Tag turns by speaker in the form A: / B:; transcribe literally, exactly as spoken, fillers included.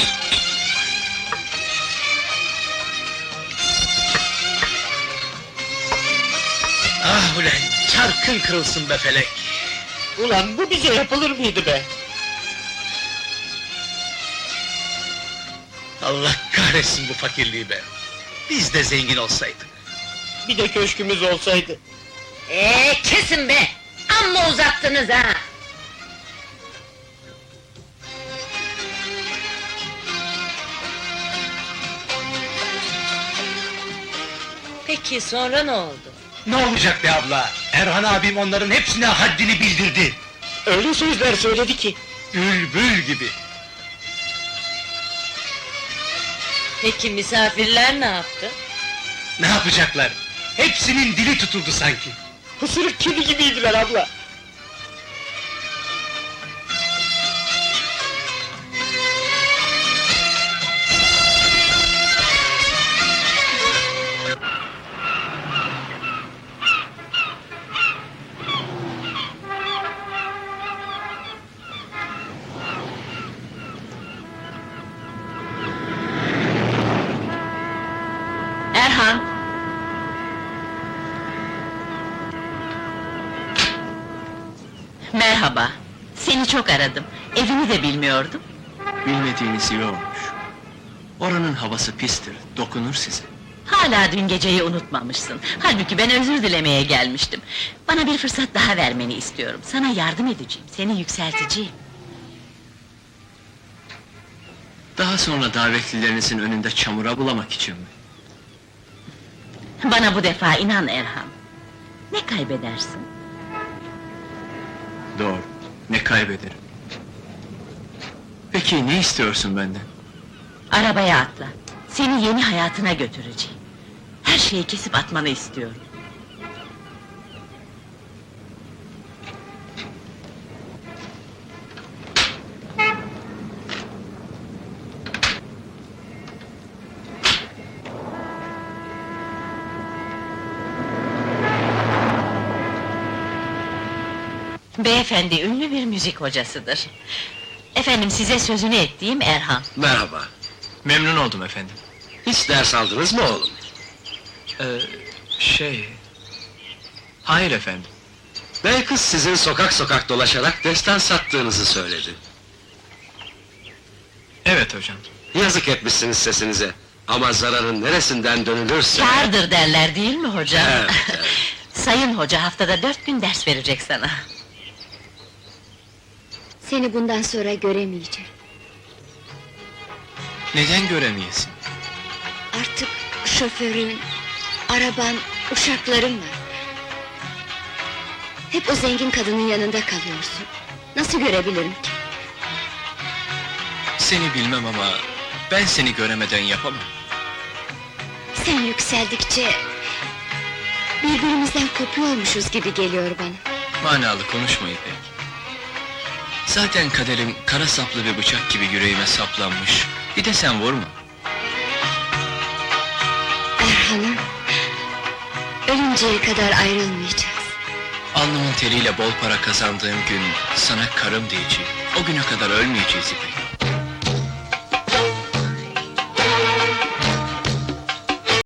A: Ah ulan, çarkın kırılsın be felek!
B: Ulan bu bize yapılır mıydı be?
A: Allah kahretsin bu fakirliği be! Biz de zengin olsaydık!
B: Bir de köşkümüz olsaydı.
C: Ee, kesin be! Amma uzattınız ha! Peki sonra ne oldu?
A: Ne olacak be abla? Erhan abim onların hepsine haddini bildirdi!
B: Öyle sözler söyledi ki.
A: Bülbül gibi!
C: Peki misafirler ne yaptı?
A: Ne yapacaklar? Hepsinin dili tutuldu sanki!
B: Pısırık kedi gibiydiler abla.
C: Erhan! Merhaba, seni çok aradım. Evini de bilmiyordum.
D: Bilmediğiniz iyi olmuş. Oranın havası pistir, dokunur size.
C: Hala dün geceyi unutmamışsın. Halbuki ben özür dilemeye gelmiştim. Bana bir fırsat daha vermeni istiyorum. Sana yardım edeceğim, seni yükselteceğim.
D: Daha sonra davetlilerinizin önünde çamura bulamak için mi?
C: Bana bu defa inan Erhan. Ne kaybedersin?
D: Doğru, ne kaybederim? Peki ne istiyorsun benden?
C: Arabaya atla. Seni yeni hayatına götüreceğim. Her şeyi kesip atmanı istiyorum. Beyefendi ünlü bir müzik hocasıdır. Efendim size sözünü ettiğim Erhan.
E: Merhaba.
D: Memnun oldum efendim.
E: Hiç ders aldınız mı oğlum?
D: Ee, şey... Hayır efendim.
E: Bey kız sizin sokak sokak dolaşarak destan sattığınızı söyledi.
D: Evet hocam.
E: Yazık etmişsiniz sesinize. Ama zararın neresinden dönülürse...
C: Kârdır derler değil mi hocam?
E: Evet, evet.
C: Sayın hoca haftada dört gün ders verecek sana.
F: Seni bundan sonra göremeyeceğim.
D: Neden göremeyesin?
F: Artık şoförün, araban, uşakların var. Hep o zengin kadının yanında kalıyorsun. Nasıl görebilirim ki?
D: Seni bilmem ama... ben seni göremeden yapamam.
F: Sen yükseldikçe... birbirimizden kopuyormuşuz gibi geliyor bana.
D: Manalı konuşma İpek. Zaten kaderim kara saplı bir bıçak gibi yüreğime saplanmış. Bir de sen vurma.
F: Erhan'ım... ölünceye kadar ayrılmayacağız.
D: Alnımın teriyle bol para kazandığım gün sana karım diyeceğim. O güne kadar ölmeyeceğiz İpek.